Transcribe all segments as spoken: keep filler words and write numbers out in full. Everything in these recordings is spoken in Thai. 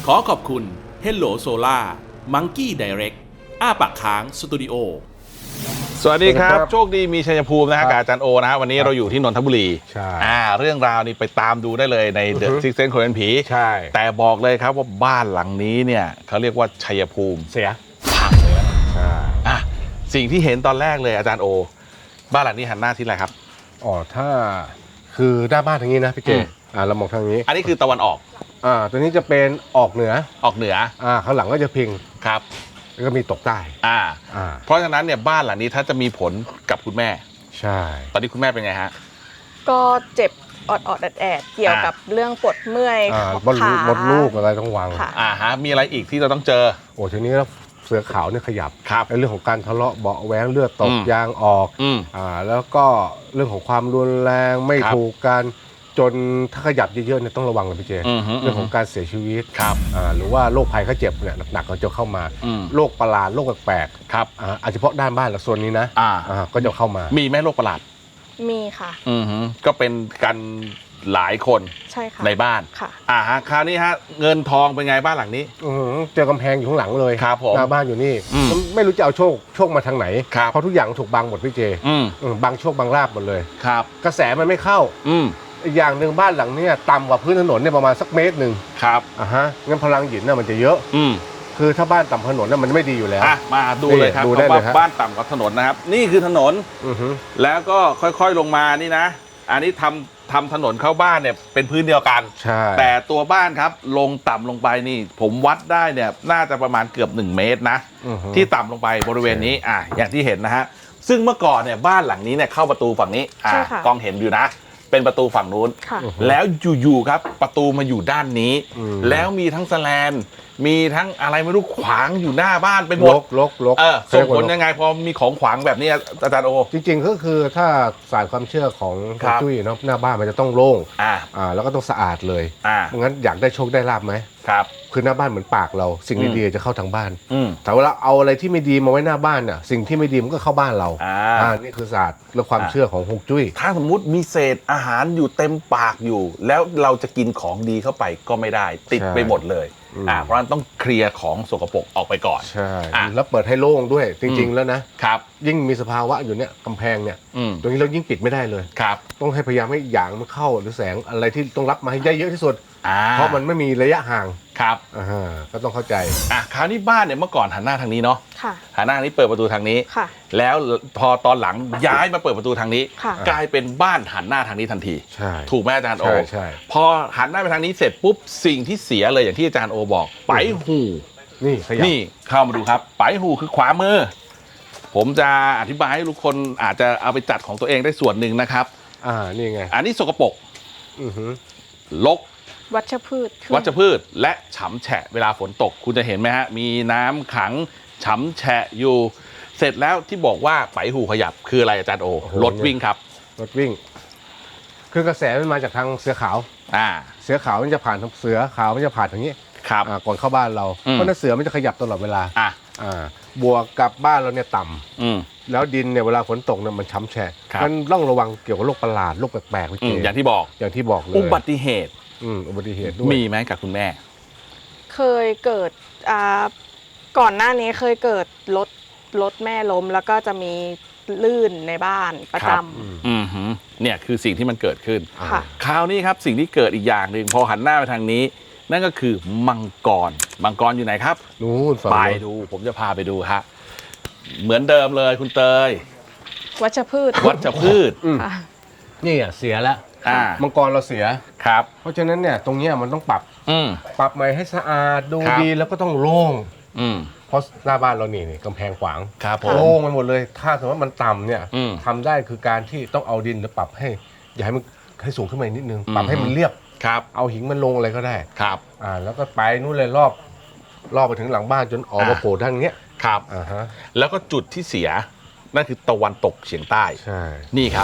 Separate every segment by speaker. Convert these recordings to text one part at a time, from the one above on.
Speaker 1: ขอขอบคุณ Hello Solar Monkey Direct อ้าปากค้างสตูดิโอสวัสดีครับโชคดีมีชัยภูมินะฮะกับอาจารย์โอนะฮะวันนี้เราอยู่ที่นนทบุรีใช่อ่าเรื่องราวนี้ไปตามดูได้เลยใน The Sixth Sense คนเห็นผีใช่แต่บอกเลยครับว่าบ้านหลังนี้เนี่ยเขาเรียกว่าชัยภูมิเสียพังเลยใช่อ่ะสิ่งที่เห็นตอนแรกเลยอาจารย์โอบ้านหลังนี้หันหน้าที่อะไรครับ
Speaker 2: อ๋อถ้าคือหน้าบ้านทางนี้นะพี่เจอ่าเรามองทางนี้
Speaker 1: อันนี้คือตะวันออก
Speaker 2: อ่าตัวนี้จะเป็นออกเหนือ
Speaker 1: ออกเหนือ
Speaker 2: อ่าข้างหลังก็จะพิง
Speaker 1: ครับ
Speaker 2: แล้วก็มีตกใต้
Speaker 1: อ่าอ่าเพราะฉะนั้นเนี่ยบ้านหลังนี้ถ้าจะมีผลกับคุณแม่
Speaker 2: ใช่
Speaker 1: ตอนนี้คุณแม่เป็นไงฮะ
Speaker 3: ก็เจ็บอดอดแอดแอดเกี่ยวกับเรื่องปวดเมื่อย
Speaker 2: ขามดลูกอะไรต้องวาง
Speaker 1: อ่าฮะมีอะไรอีกที่เราต้องเจอ
Speaker 2: โอ้ทีนี้แล้วเสือขาวเนี่ยขยับ
Speaker 1: ครับ
Speaker 2: ในเรื่องของการทะเลาะเบาแหวงเลือดตกยางออกอ่าแล้วก็เรื่องของความรุนแรงไม่ถูกกันจนถ้าขยับเยอะๆเนี่ยต้องระวังเลยพี่เจเรื่องของการเสียชีวิต
Speaker 1: ครับ
Speaker 2: อ่าหรือว่าโรคภัยไข้เจ็บเนี่ยหนักๆก็จะเข้ามาโรคประหลาดโรคแปลก
Speaker 1: ๆครับ
Speaker 2: อ่าอาจจะเฉพาะด้านบ้านและโซนนี้นะอ่าก็จะเข้ามา
Speaker 1: มีไหมโรคประหลาด
Speaker 3: มีค่ะ
Speaker 1: อือฮึก็เป็นกันหลายคน
Speaker 3: ใช่ค่ะ
Speaker 1: ในบ้าน
Speaker 3: ค่ะ
Speaker 1: อ่าฮะคราวนี้ฮะเงินทองเป็นไงบ้านหลังนี้
Speaker 2: อือเจอกำแพงอยู่ข้างหลังเลย
Speaker 1: ครับผม
Speaker 2: หน้าบ้านอยู่นี่ไม่รู้จะเอาโชคโชคมาทางไหนเพราะทุกอย่างถูกบังหมดพี่เจบังโชคบังลาบหมดเลย
Speaker 1: ครับ
Speaker 2: กระแสมันไม่เข้า
Speaker 1: อืม
Speaker 2: อีกอย่างหนึ่งบ้านหลังนี้ต่ำกว่าพื้นถนนเนี่ยประมาณสักเมตรหนึ่ง
Speaker 1: ครับ
Speaker 2: อ่าฮะงั้นพลังหยินน่ะมันจะเยอะ
Speaker 1: อืม
Speaker 2: คือถ้าบ้านต่ำถนนน่ะมันไม่ดีอยู่แล้ว
Speaker 1: อ่ะมาดูเลยครับว่าบ้านต่ำกว่าถนนนะครับนี่คือถนน
Speaker 2: อือฮึ
Speaker 1: แล้วก็ค่อยๆลงมานี่นะอันนี้ทำทำถนนเข้าบ้านเนี่ยเป็นพื้นเดียวกัน
Speaker 2: ใช่
Speaker 1: แต่ตัวบ้านครับลงต่ำลงไปนี่ผมวัดได้เนี่ยน่าจะประมาณเกือบหนึ่งเมตรนะที่ต่ำลงไปบริเวณนี้อ่ะอย่างที่เห็นนะฮะซึ่งเมื่อก่อนเนี่ยบ้านหลังนี้เนี่ยเข้าประตูฝั่งนี้อ่ากล้องเห็นอยู่นะเป็นประตูฝั่งนู้นแล้วอยู่ๆครับประตูมาอยู่ด้านนี้แล้วมีทั้งแสแลนมีทั้งอะไรไม่รู้ขวางอยู่หน้าบ้านไปหมด
Speaker 2: ลกลก
Speaker 1: เออส่งผลยังไงพอมีของขวางแบบนี้อาจารย์โอ
Speaker 2: จริงๆก็คือถ้าศาสตร์ความเชื่อของจุ้ยเนาะหน้าบ้านมันจะต้องโล่ง
Speaker 1: อ่า
Speaker 2: อ่าแล้วก็ต้องสะอาดเลย
Speaker 1: อ่า
Speaker 2: งั้นอยากได้โชคได้ลาภไหม
Speaker 1: ครับ
Speaker 2: คือหน้าบ้านเหมือนปากเราสิ่งดีๆจะเข้าทางบ้านแต่เวลาเอาอะไรที่ไม่ดีมาไว้หน้าบ้านเนี่ยสิ่งที่ไม่ดีมันก็เข้าบ้านเราอ่านี่คือศาสตร์และความเชื่อของฮวงจุ้ย
Speaker 1: ถ้าสมมุติมีเศษอาหารอยู่เต็มปากอยู่แล้วเราจะกินของดีเข้าไปก็ไม่ได้ติดไปหมดเลยอ่าเพราะฉะนั้นต้องเคลียร์ของสกปรกออกไปก่อน
Speaker 2: ใช่แล้วเปิดให้โล่งด้วยจริงๆแล้วนะครับยิ่งมีสภาวะอยู่เนี่ยกำแพงเนี่ยตรงนี้เรายิ่งปิดไม่ได้เลย
Speaker 1: ครับ
Speaker 2: ต้องให้พยายามให้หยางมันเข้าหรือแสงอะไรที่ต้องรับมาให้ได้เยอะที่สุดเพราะมันไม่มีระยะห่าง
Speaker 1: ครับ
Speaker 2: อ่าก็ต้องเข้าใจ
Speaker 1: อ่ะคราวนี้บ้านเนี่ยเมื่อก่อนหันหน้าทางนี้เนาะ
Speaker 3: ค่ะ
Speaker 1: หันหน้าทางนี้เปิดประตูทางนี้
Speaker 3: ค่ะ
Speaker 1: แล้วพอตอนหลังย้ายมาเปิดประตูทางนี้
Speaker 3: ค่ะ
Speaker 1: กลายเป็นบ้านหันหน้าทางนี้ทันที
Speaker 2: ใช่
Speaker 1: ถูกไหมอาจารย์โอ
Speaker 2: ใช่ใช่
Speaker 1: พอหันหน้าไปทางนี้เสร็จปุ๊บสิ่งที่เสียเลยอย่างที่อาจารย์โอบอกไปหู
Speaker 2: นี่ขยับ
Speaker 1: นี่เข้ามาดูครับไปหูคือขวามือผมจะอธิบายให้ทุกคนอาจจะเอาไปจัดของตัวเองได้ส่วนหนึ่งนะครับ
Speaker 2: อ่านี่ไง
Speaker 1: อันนี้สกปรก
Speaker 2: อือฮึ
Speaker 1: รก
Speaker 3: วัชพืช
Speaker 1: วัชพืชและฉ่ำแฉะเวลาฝนตกคุณจะเห็นไหมฮะมีน้ำขังฉ่ำแฉะอยู่เสร็จแล้วที่บอกว่าไปหูขยับคืออะไรอาจารย์โอรถวิ่งครับ
Speaker 2: รถวิ่งคือกระแสมันมาจากทางเสือขาว
Speaker 1: อ่า
Speaker 2: เสือขาวมันจะผ่านทางเสือขาวมันจะผ่านทางนี้
Speaker 1: ครับ
Speaker 2: อ่าก่อนเข้าบ้านเราเพราะนั้นเสือมันจะขยับตลอดเวลา
Speaker 1: อ่า
Speaker 2: อ่าบวกกับบ้านเราเนี่ยต่
Speaker 1: ำอืม
Speaker 2: แล้วดินเนี่ยเวลาฝนตกเนี่ยมันช้ำแฉะมันต้องระวังเกี่ยวกับโรคประหลาดโรคแปลกๆพี่
Speaker 1: อย่างที่บอก
Speaker 2: อย่างที่บอกเลย
Speaker 1: อุบัติเหตุ
Speaker 2: อืมอุบัติเหตุด้วย
Speaker 1: มีไหมกับคุณแม่
Speaker 3: เคยเกิดอ่าก่อนหน้านี้เคยเกิดรถรถแม่ล้มแล้วก็จะมีลื่นในบ้านประจำ
Speaker 1: อืมเนี่ยคือสิ่งที่มันเกิดขึ้น
Speaker 3: ค่ะ
Speaker 1: คราวนี้ครับสิ่งที่เกิดอีกอย่างหนึ่งพอหันหน้าไปทางนี้นั่นก็คือมังกรมังกรอยู่ไหนครับ
Speaker 2: นู่น
Speaker 1: ไปดูผมจะพาไปดูฮะเหมือนเดิมเลยคุณเตย
Speaker 3: วัชพืช
Speaker 1: วัชพืช
Speaker 2: นี่อ่ะเสียแล้วมังกรเราเสีย
Speaker 1: ครับ
Speaker 2: เพราะฉะนั้นเนี่ยตรงนี้มันต้องปรับปรับใหม่ให้สะอาดดูดีแล้วก็ต้องโล่งเพราะหน้าบ้านเรานี่นี่กำแพงขวางโล่งไปหมดเลยถ้าสมมติว่ามันต่ำเนี่ยทำได้คือการที่ต้องเอาดินแล้วปรับให้อย่าให้มันให้สูงขึ้นมานิดนึงปรับให้มันเรียบ
Speaker 1: ครับ
Speaker 2: เอาหินมันลงอะไรก็ได้
Speaker 1: ครับ
Speaker 2: อ่าแล้วก็ไปนู่นเลยรอบรอบไปถึงหลังบ้านจนออกมาโผล่ทางเนี้ย
Speaker 1: ครับอ่าฮะแล้วก็จุดที่เสียนั่นคือตะวันตกเฉียงใต้
Speaker 2: ใช่
Speaker 1: นี่ครับ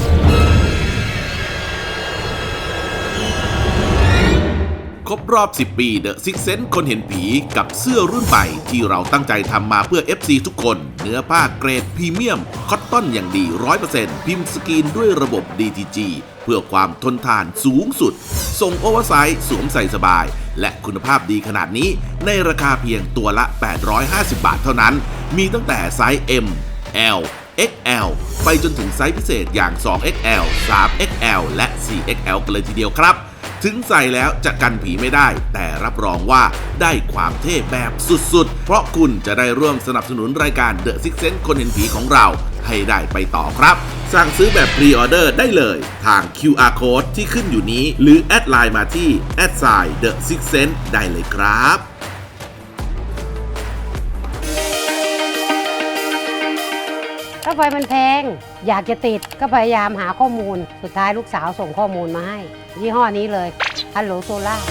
Speaker 1: ครบรอบสิบปี The Sixth Sense คนเห็นผีกับเสื้อรุ่นใหม่ที่เราตั้งใจทำมาเพื่อ เอฟ ซี ทุกคนเนื้อผ้าเกรดพรีเมียมคอต
Speaker 4: ต้นอย่างดี ร้อยเปอร์เซ็นต์ พิมพ์สกรีนด้วยระบบ ดี ที จี เพื่อความทนทานสูงสุดส่งโอเวอร์ไซส์สวมใส่สบายและคุณภาพดีขนาดนี้ในราคาเพียงตัวละแปดร้อยห้าสิบบาทเท่านั้นมีตั้งแต่ไซส์ M L เอ็กซ์ แอล ไปจนถึงไซส์พิเศษอย่าง สอง เอ็กซ์ แอล สาม เอ็กซ์ แอล และ สี่ เอ็กซ์ แอล กันเลยทีเดียวครับถึงใส่แล้วจะกันผีไม่ได้แต่รับรองว่าได้ความเท่แบบสุดๆเพราะคุณจะได้ร่วมสนับสนุนรายการ The Six Sense คนเห็นผีของเราให้ได้ไปต่อครับสั่งซื้อแบบพรีออเดอร์ได้เลยทาง คิว อาร์ Code ที่ขึ้นอยู่นี้หรือแอดไลน์มาที่แอดไซน์ The Six Sense ได้เลยครับ
Speaker 5: ค่าไฟมันแพงอยากจะติดก็พยายามหาข้อมูลสุดท้ายลูกสาวส่งข้อมูลมาให้ยี่ห้อนี้เลยฮัลโหลโซล่า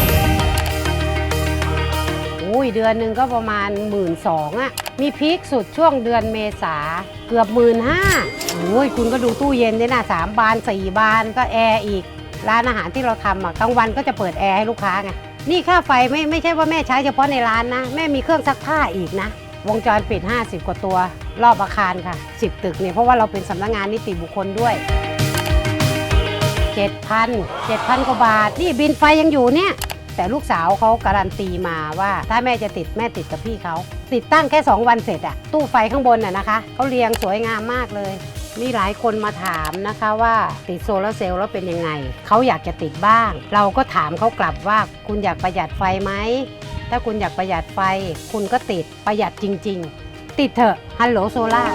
Speaker 5: อุ้ยเดือนหนึ่งก็ประมาณหมื่นสองอ่ะมีพีคสุดช่วงเดือนเมษาเกือบหมื่นห้าโอ้ยคุณก็ดูตู้เย็นด้วยนะสามบานสี่บานก็แอร์อีกร้านอาหารที่เราทำอ่ะกลางวันก็จะเปิดแอร์ให้ลูกค้าไงนี่ค่าไฟไม่ไม่ใช่ว่าแม่ใช้เฉพาะในร้านนะแม่มีเครื่องซักผ้าอีกนะวงจรปิดห้าสิบกว่าตัวรอบอาคารค่ะสิบตึกเนี่ยเพราะว่าเราเป็นสำนักงานนิติบุคคลด้วย เจ็ดพัน เจ็ดพัน กว่าบาทนี่บินไฟยังอยู่เนี่ยแต่ลูกสาวเขาการันตีมาว่าถ้าแม่จะติดแม่ติดกับพี่เขาติดตั้งแค่สองวันเสร็จอะตู้ไฟข้างบนน่ะนะคะเขาเรียงสวยงามมากเลยมีหลายคนมาถามนะคะว่าติดโซลาร์เซลล์แล้วเป็นยังไงเขาอยากจะติดบ้างเราก็ถามเขากลับว่าคุณอยากประหยัดไฟไหมถ้าคุณอยากประหยัดไฟคุณก็ติดประหยัดจริงๆติดเถอะฮัลโหลโซล่า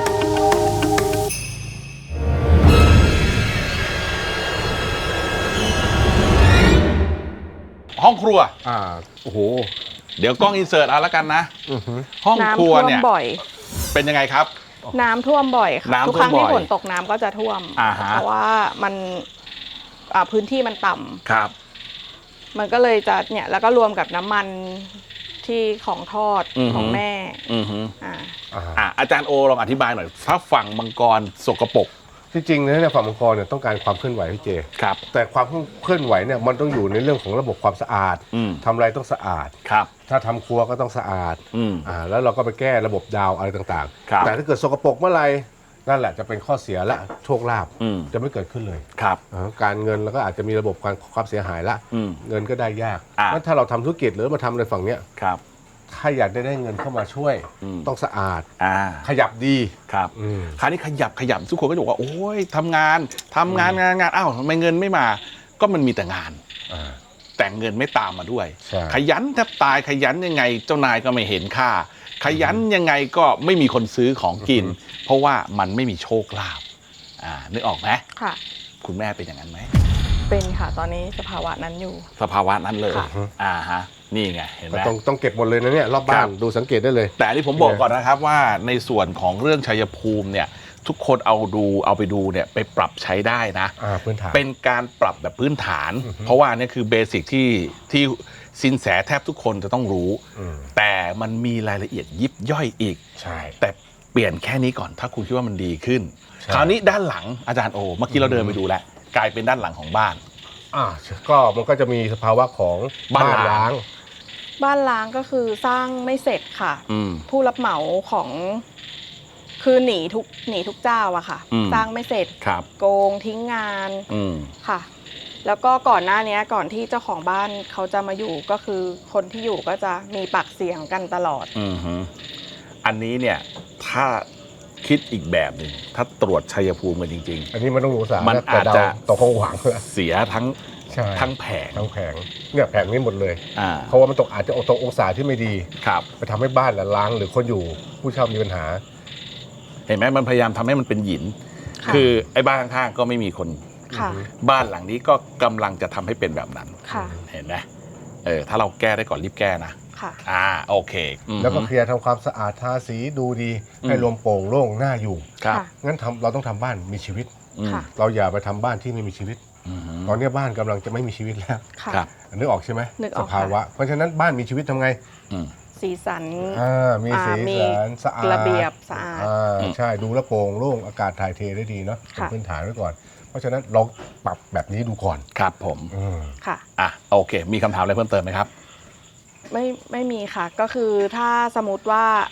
Speaker 1: ห้องครัว
Speaker 2: อ่าโอ้โห
Speaker 1: เดี๋ยวกล้องอินเสิร์ตเอาละกันนะ
Speaker 2: อือฮึ
Speaker 1: ห้องครัวเนี่ย
Speaker 3: น้ำท่วมบ่อย
Speaker 1: เป็นยังไงครับ
Speaker 3: น้ำท่วมบ่อยค่ะ
Speaker 1: น้ำท่วม
Speaker 3: ทุกครั้งที่
Speaker 1: บ่อย
Speaker 3: ฝนตกน้ำก็จะท่วม
Speaker 1: อ่าฮะ
Speaker 3: เพราะว่ามันอ่าพื้นที่มันต่ำ
Speaker 1: ครับ
Speaker 3: มันก็เลยจะเนี่ยแล้วก็รวมกับน้ำมันที่ของทอด
Speaker 1: อือหือ
Speaker 3: ของแม่
Speaker 1: อือฮึ
Speaker 3: อ่า
Speaker 2: อ่า
Speaker 1: อ่ะอาจารย์โอลองอธิบายหน่อยถ้าฝั่งมังกรสกปรก
Speaker 2: ที่จริงเนี่ยฝั่งมังกรเนี่ยต้องการความเคลื่อนไหวพี่เจ
Speaker 1: ครับ
Speaker 2: แต่ความเคลื่อนไหวเนี่ยมันต้องอยู่ในเรื่องของระบบความสะอาด
Speaker 1: อืม
Speaker 2: ทำอะไรต้องสะอาด
Speaker 1: ครับ
Speaker 2: ถ้าทำครัวก็ต้องสะอาด
Speaker 1: อืม
Speaker 2: อ่าแล้วเราก็ไปแก้ระบบดาวอะไรต่าง
Speaker 1: ครับ
Speaker 2: ๆ แต่ถ้าเกิดสกปรกเมื่อไหร่นั่นแหละจะเป็นข้อเสียและโชคลาภ
Speaker 1: อืม
Speaker 2: จะไม่เกิดขึ้นเลย
Speaker 1: ครับ
Speaker 2: อ่าการเงินแล้วก็อาจจะมีระบบการความเสียหายละ
Speaker 1: อืม
Speaker 2: เงินก็ได้ยาก
Speaker 1: อ่ะ
Speaker 2: งั้นถ้าเราทำธุรกิจหรือมาทำในฝั่งเนี้ย
Speaker 1: ครับ
Speaker 2: ถ้าอยากได้ได้เงินเข้ามาช่วย
Speaker 1: อืม
Speaker 2: ต้องสะอาด
Speaker 1: อ่า
Speaker 2: ขยับดี
Speaker 1: ครับ
Speaker 2: อืม
Speaker 1: คราวนี้ขยับขยับทุกคนก็จะบอกว่าโอ้ยทำงานทำงานงานงานอ้าวทำไมเงินไม่มา ก็มันมีแต่งาน
Speaker 2: อ่า
Speaker 1: แต่เงินไม่ตามมาด้วย
Speaker 2: ใช่
Speaker 1: ขยันแทบตายขยันยังไงเจ้านายก็ไม่เห็นค่า ขยันยังไงก็ไม่มีคนซื้อของกิน เพราะว่ามันไม่มีโชคลาภอ่านึกออกไหม
Speaker 3: ค่ะ
Speaker 1: คุณแม่เป็นอย่างนั้นไหม
Speaker 3: เป็นค่ะตอนนี้สภาวะนั้นอยู่
Speaker 1: สภาวะนั้นเลย
Speaker 3: ค่ะ
Speaker 1: อ่าฮะนี่ไงเห็นไหม
Speaker 2: ต้องต้องเก็บหมดเลยนะเนี่ยรอบบ้า
Speaker 1: ครั
Speaker 2: น
Speaker 1: บ
Speaker 2: ดูสังเกตได้เลย
Speaker 1: แต่อันนี้ผมบอกก่อนนะครับว่าในส่วนของเรื่องชัยภูมิเนี่ยทุกคนเอาดูเอาไปดูเนี่ยไปปรับใช้ได้นะ
Speaker 2: อ่าพื้นฐาน
Speaker 1: เป็นการปรับแบบพื้นฐาน
Speaker 2: อือฮึ
Speaker 1: เพราะว่านี่คือเบสิกที่ที่สินแสแทบทุกคนจะต้องรู้
Speaker 2: อืม
Speaker 1: แต่มันมีรายละเอียดยิบย่อยอีก
Speaker 2: ใช่
Speaker 1: แต่เปลี่ยนแค่นี้ก่อนถ้าคุณคิดว่ามันดีขึ้น
Speaker 2: ใช่
Speaker 1: คราวนี้ด้านหลังอาจารย์โอเมื่อกี้เราเดินไปดูแล้วกลายเป็นด้านหลังของบ้าน
Speaker 2: อ่าก็มันก็จะมีสภาวะของ
Speaker 1: บ้านร้าง
Speaker 3: บ้านล้างก็คือสร้างไม่เสร็จค่ะ
Speaker 1: อืม
Speaker 3: ผู้รับเหมาของคือหนีทุกหนีทุกเจ้าอะค่ะ
Speaker 1: อืม
Speaker 3: สร้างไม่เสร็จ
Speaker 1: ครับ
Speaker 3: โกงทิ้งงาน
Speaker 1: อืม
Speaker 3: ค่ะ แล้วก็ก่อนหน้านี้ก่อนที่เจ้าของบ้านเขาจะมาอยู่ก็คือคนที่อยู่ก็จะมีปากเสียงกันตลอด
Speaker 1: อืมฮึอันนี้เนี่ยถ้าคิดอีกแบบหนึ่งถ้าตรวจชัยภูมิกันจริง
Speaker 2: อันนี้มันต้องรู้สา
Speaker 1: มัน
Speaker 2: แต่เด
Speaker 1: อาจจะ
Speaker 2: ตกคงหวังแล้ว
Speaker 1: ๆ เสียทั้ง
Speaker 2: ใช่
Speaker 1: ทั้งแผง
Speaker 2: ทั้งแผงเนี่ยแผงนี้หมดเลย
Speaker 1: อ่า
Speaker 2: เพราะว่ามันตกอาจจะตกองศาที่ไม่ดี
Speaker 1: ครับ
Speaker 2: ไปทำให้บ้านละล้างหรือคนอยู่ผู้เช่ามีปัญหา
Speaker 1: เห็นไหมมันพยายามทำให้มันเป็นหยิน
Speaker 3: ค่ะ
Speaker 1: คือไอ้บ้านข้างๆก็ไม่มีคน
Speaker 3: ค่ะ
Speaker 1: บ้านหลังนี้ก็กำลังจะทำให้เป็นแบบนั้น
Speaker 3: ค่ะ
Speaker 1: เห็นไหมเออถ้าเราแก้ได้ก่อนรีบแก้นะ
Speaker 3: ค่ะ
Speaker 1: อ่าโอเคอืม
Speaker 2: แล้วก็เคลียร์ทำความสะอาดทาสีดูดี
Speaker 1: อืม
Speaker 2: ให้รวมโปร่งโล่งน่าอยู่
Speaker 1: ครับ
Speaker 3: ค่ะ
Speaker 2: งั้นทำเราต้องทำบ้านมีชีวิต
Speaker 1: อืม
Speaker 3: ค่ะ
Speaker 2: เราอย่าไปทำบ้านที่ไม่มีชีวิต
Speaker 1: อืมฮึ
Speaker 2: ตอนนี้บ้านกำลังจะไม่มีชีวิตแล้ว
Speaker 3: ค่ะ
Speaker 1: ครับ
Speaker 2: นึกออกใช่ไหม
Speaker 3: นึกอ
Speaker 2: ส
Speaker 3: อกค่ะ
Speaker 2: ภาวะ เพราะฉะนั้นบ้านมีชีวิตทำไง
Speaker 1: อืม
Speaker 3: สีสัน
Speaker 2: อ่ามีสี
Speaker 3: อ่ามี
Speaker 2: สันสะอาด
Speaker 3: ระเบียบสะอาด
Speaker 2: อ่าใช่ดูแลวโปร่งโล่งอากาศถ่ายเทได้ดีเนาะเป็น
Speaker 3: ค่ะ
Speaker 2: พื้นฐานไว้ก่อน เพราะฉะนั้นลองปรับแบบนี้ดูก่อน
Speaker 1: ครับผม
Speaker 2: อืม
Speaker 3: ค่ะ
Speaker 1: อ่ะโอเค มีคำถามอะไรเพิ่มเติมไหมครับ
Speaker 3: ไม่ไม่มีค่ะ ก็คือถ้าสมมติว่า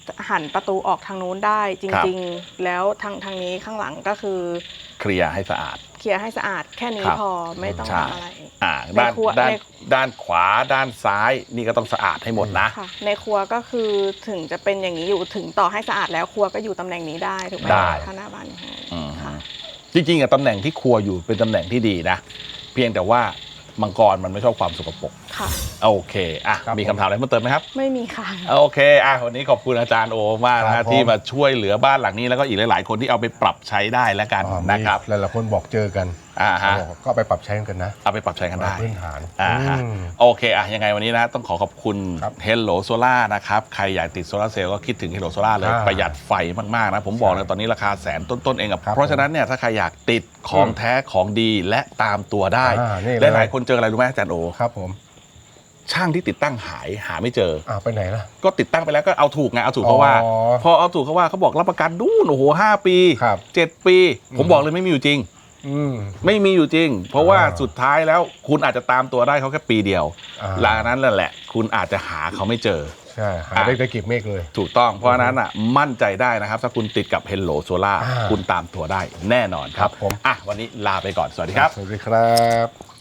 Speaker 3: หันประตูออกทางนู้นได้จริงๆแล้วทางทางนี้ข้างหลังก็คือ
Speaker 1: เคลียร์ให้สะอาด
Speaker 3: เคลียร์ให้สะอาดแค่นี้
Speaker 1: ครับ
Speaker 3: พอไม่ต้อง
Speaker 1: ใช่
Speaker 3: ทำอะไร
Speaker 1: อ่า
Speaker 3: ใน
Speaker 1: ด้าน
Speaker 3: ครัว
Speaker 1: ด้าน
Speaker 3: ใน
Speaker 1: ด้านขวาด้านซ้ายนี่ก็ต้องสะอาดให้หมดนะ
Speaker 3: ค่ะในครัวก็คือถึงจะเป็นอย่างนี้อยู่ถึงต่อให้สะอาดแล้วครัวก็อยู่ตำแหน่งนี้ได้ถูกไหม
Speaker 1: ได้
Speaker 3: ถ้าหน้าบ้านอย่างนี้
Speaker 1: อืม
Speaker 3: ค่ะ
Speaker 1: จริงๆอะตำแหน่งที่ครัวอยู่เป็นตำแหน่งที่ดีนะ เพียงแต่ว่ามังกรมันไม่ชอบความสกปรก
Speaker 3: ค่ะ
Speaker 1: โอเคอ่ะ
Speaker 2: ครับ
Speaker 1: มีคำถามอะไรเพิ่มเติมไหมครับ
Speaker 3: ไม่มีค่ะ
Speaker 1: โอเคอ่ะวันนี้ขอบคุณอาจารย์โอมากนะ
Speaker 2: ครั
Speaker 1: ฮะ
Speaker 2: บผม
Speaker 1: ที่มาช่วยเหลือบ้านหลังนี้แล้วก็อีกหลายๆ คนที่เอาไปปรับใช้ได้แล้วกัน
Speaker 2: อ๋อ
Speaker 1: นะครับ
Speaker 2: มีหลายๆคนบอกเจอกัน
Speaker 1: อ่าฮะ
Speaker 2: บอกก็เอาไปปรับใช้กันนะ
Speaker 1: เอาไปปรับใช้กันได้
Speaker 2: พื้นฐาน
Speaker 1: อ่าฮะ
Speaker 2: อืม
Speaker 1: โอเคอ่ะยังไงวันนี้นะต้องขอขอบคุณ
Speaker 2: ครับ
Speaker 1: Hello Solar นะครับใครอยากติดโซลาร์เซลล์ก็คิดถึง Hello Solar เลย
Speaker 2: อ่า
Speaker 1: ประหยัดไฟมากๆนะผมบอกเลยตอนนี้ราคาแสนต้นๆเองอะ
Speaker 2: ครับ
Speaker 1: เพราะฉะนั้นเนี่ยถ้าใครอยากติดของแท้ของดีและตามตัวได้
Speaker 2: อ่านี่เลย
Speaker 1: หลายๆคนเจออะไรรู้ไหมอาจารย์โอ
Speaker 2: ครับผม
Speaker 1: ช่างที่ติดตั้งหายหาไม่เจอ
Speaker 2: อ่าไปไหนล่ะ
Speaker 1: ก็ติดตั้งไปแล้วก็เอาถูกไงเอาถูกเขาว่า
Speaker 2: อ๋อ
Speaker 1: พอเอาถูกเขาว่าเขาบอกรับประกันดูนโอ้โหห้าปี
Speaker 2: ครับ
Speaker 1: เจ็ดปี ผม
Speaker 2: อืม
Speaker 1: บอกเลยไม่มีอยู่จริง
Speaker 2: อืม
Speaker 1: ไม่มีอยู่จริง เพราะว่า
Speaker 2: อ่า
Speaker 1: สุดท้ายแล้วคุณอาจจะตามตัวได้เขาแค่ปีเดียว
Speaker 2: อ่า
Speaker 1: หลังนั้นแหละ คุณอาจจะหาเขาไม่เจอ
Speaker 2: ใช่หาได้ได้เก็บเมฆเลย
Speaker 1: ถูกต้องเพราะฉะนั้นอ่ะมั่นใจได้นะครับ ถ้าคุณติดกับ Hello Solar
Speaker 2: อ่า
Speaker 1: คุณตามตัวได้แน่นอนครับ
Speaker 2: ครับผม
Speaker 1: อ่ะวันนี้ลาไปก่อนสวัสดีครับ
Speaker 2: สวัสดีครับ